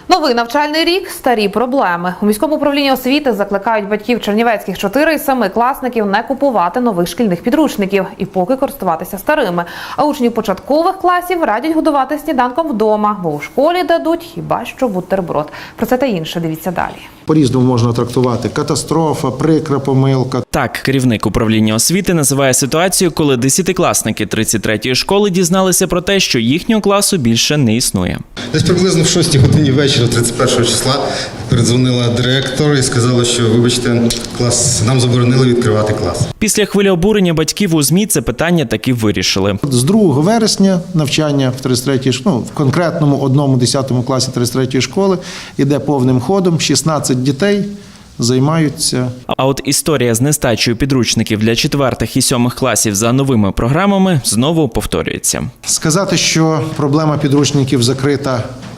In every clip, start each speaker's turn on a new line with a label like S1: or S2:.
S1: Новий навчальний рік – старі проблеми. У міському управлінні освіти закликають батьків чернівецьких 4 і 7 класників не купувати нових шкільних підручників і поки користуватися старими. А учнів початкових класів радять годувати сніданком вдома, бо у школі дадуть хіба що бутерброд. Про це та інше дивіться далі.
S2: По-різному можна трактувати: катастрофа, прикра помилка.
S3: Так, керівник управління освіти називає ситуацію, коли 10-класники 33-ї школи дізналися про те, що їхнього класу більше не існує.
S4: Десь приблизно в 6 годині вечора, 31 числа, передзвонила директор і сказала, що, вибачте, нам заборонили відкривати клас.
S3: Після хвилі обурення батьків у ЗМІ це питання таки вирішили.
S2: З 2 вересня навчання в 33-й школі, в конкретному 1-10 класі 33-ї школи іде повним ходом, 16 дітей займаються.
S3: А от історія з нестачею підручників для 4-х і 7-х класів за новими програмами знову повторюється.
S2: Сказати, що проблема підручників закрита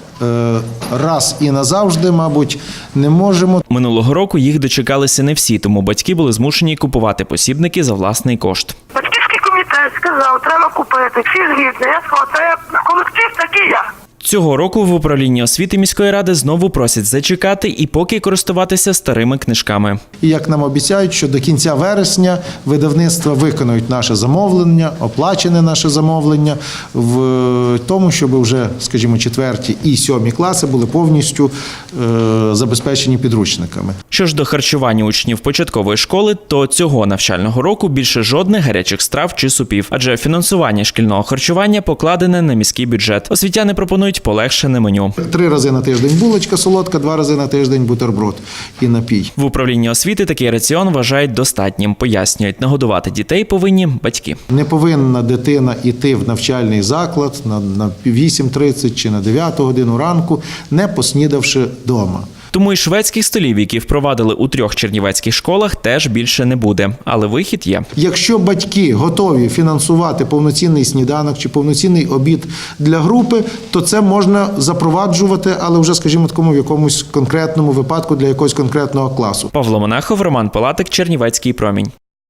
S2: раз і назавжди, мабуть, не можемо.
S3: Минулого року їх дочекалися не всі, тому батьки були змушені купувати посібники за власний кошт.
S5: Батьківський комітет сказав, треба купити, всі згідні. Я сказала, це колектив такий я.
S3: Цього року в управлінні освіти міської ради знову просять зачекати і поки користуватися старими книжками.
S2: І як нам обіцяють, що до кінця вересня видавництва виконують наше замовлення, оплачене наше замовлення в тому, щоб вже, скажімо, 4-ті і 7-і класи були повністю забезпечені підручниками.
S3: Що ж до харчування учнів початкової школи, то цього навчального року більше жодних гарячих страв чи супів, адже фінансування шкільного харчування покладене на міський бюджет. Освітяни пропонують полегшене меню.
S2: 3 рази на тиждень булочка солодка, 2 рази на тиждень бутерброд і напій.
S3: В управлінні освіти такий раціон вважають достатнім. Пояснюють, нагодувати дітей повинні батьки.
S2: Не повинна дитина йти в навчальний заклад на 8:30 чи на 9 годину ранку, не поснідавши вдома.
S3: Тому і шведських столів, які впровадили у 3 чернівецьких школах, теж більше не буде. Але вихід є.
S2: Якщо батьки готові фінансувати повноцінний сніданок чи повноцінний обід для групи, то це можна запроваджувати, але вже, скажімо, такому в якомусь конкретному випадку для якогось конкретного класу.
S3: Павло Монахов, Роман Палатик, Чернівецький промінь.